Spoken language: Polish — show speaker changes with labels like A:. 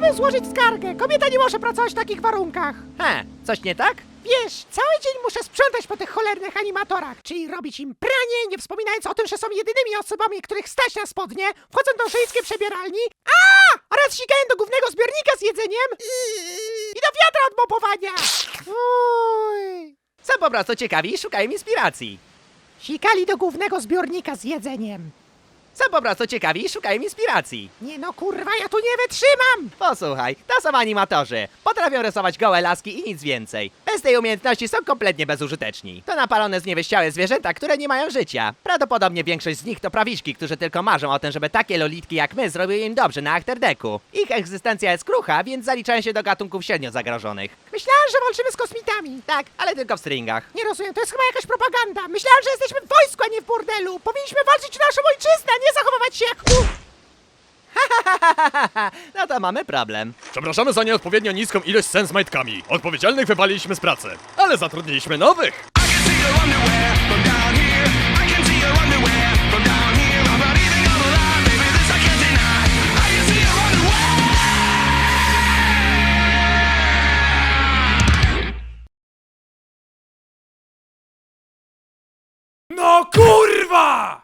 A: Musimy złożyć skargę. Kobieta nie może pracować w takich warunkach.
B: Coś nie tak?
A: Wiesz, cały dzień muszę sprzątać po tych cholernych animatorach, czyli robić im pranie, nie wspominając o tym, że są jedynymi osobami, których stać na spodnie, wchodzą do żeńskiej przebieralni, oraz sikają do głównego zbiornika z jedzeniem i do wiatra od mopowania. Uj.
B: Są po prostu ciekawi i szukają inspiracji.
A: Sikali do głównego zbiornika z jedzeniem.
B: Są po prostu ciekawi i szukają inspiracji.
A: Nie no kurwa, ja tu nie wytrzymam!
B: Posłuchaj, to są animatorzy. Potrafią rysować gołe laski i nic więcej. Bez tej umiejętności są kompletnie bezużyteczni. To napalone, zniewieściałe zwierzęta, które nie mają życia. Prawdopodobnie większość z nich to prawiczki, którzy tylko marzą o tym, żeby takie lolitki jak my zrobiły im dobrze na achterdecku. Ich egzystencja jest krucha, więc zaliczają się do gatunków średnio zagrożonych.
A: Myślałem, że walczymy z kosmitami.
B: Tak, ale tylko w stringach.
A: Nie rozumiem, to jest chyba jakaś propaganda. Myślałem, że jesteśmy w wojsku, a nie w burdelu. Powinniśmy walczyć o naszą ojczyznę, a nie zachowywać się jak...
B: No to mamy problem.
C: Przepraszamy za nieodpowiednio niską ilość scen z majtkami. Odpowiedzialnych wywaliliśmy z pracy, ale zatrudniliśmy nowych.
D: No kurwa!